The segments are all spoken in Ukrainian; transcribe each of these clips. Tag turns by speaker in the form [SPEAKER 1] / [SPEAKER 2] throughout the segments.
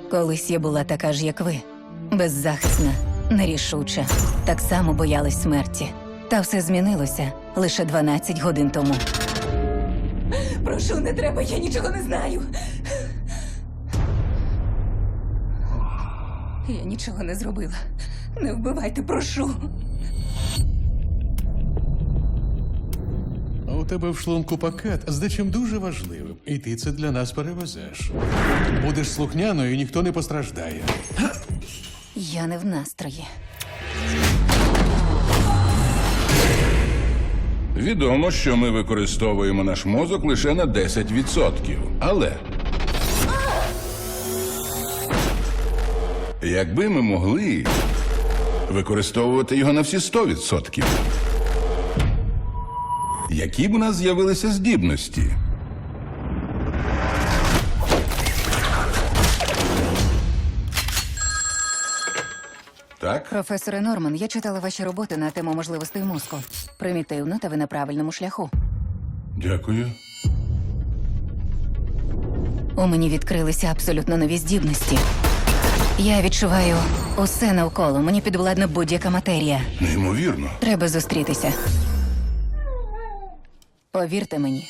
[SPEAKER 1] Колись я була така ж, як ви. Беззахисна, нерішуча. Так само боялась смерті. Та все змінилося лише 12 годин тому. Прошу, не треба, я нічого не знаю. Я нічого не зробила. Не вбивайте, прошу.
[SPEAKER 2] А у тебе в шлунку пакет з дечим дуже важливим, і ти це для нас перевезеш. Будеш слухняною, і ніхто не постраждає.
[SPEAKER 1] Я не в настрої.
[SPEAKER 3] Відомо, що ми використовуємо наш мозок лише на 10%. Але якби ми могли використовувати його на всі 100%, які б у нас з'явилися здібності? Так?
[SPEAKER 1] Професоре Норман, я читала ваші роботи на тему можливостей мозку. Примітивно, та ви на правильному шляху.
[SPEAKER 3] Дякую.
[SPEAKER 1] У мені відкрилися абсолютно нові здібності. Я відчуваю усе навколо. Мені підвладна будь-яка матерія.
[SPEAKER 3] Неймовірно.
[SPEAKER 1] Треба зустрітися. Повірте мені.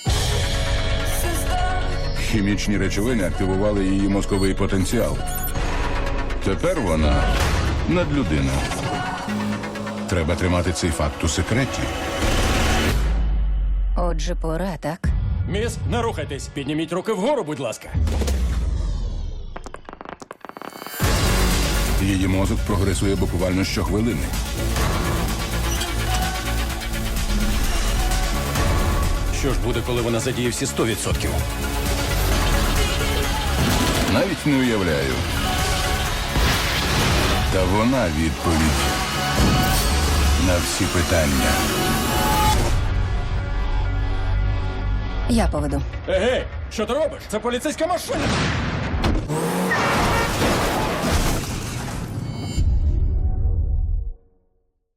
[SPEAKER 3] Хімічні речовини активували її мозковий потенціал. Тепер вона надлюдина. Треба тримати цей факт у секреті.
[SPEAKER 1] Отже, пора, так?
[SPEAKER 4] Міс, не рухайтесь. Підніміть руки вгору, будь ласка.
[SPEAKER 3] Її мозок прогресує буквально щохвилини.
[SPEAKER 4] Що ж буде, коли вона задіє всі 100%?
[SPEAKER 3] Навіть не уявляю. Та вона відповідь на всі питання.
[SPEAKER 1] Я поведу.
[SPEAKER 4] Егей, що ти робиш? Це поліцейська машина.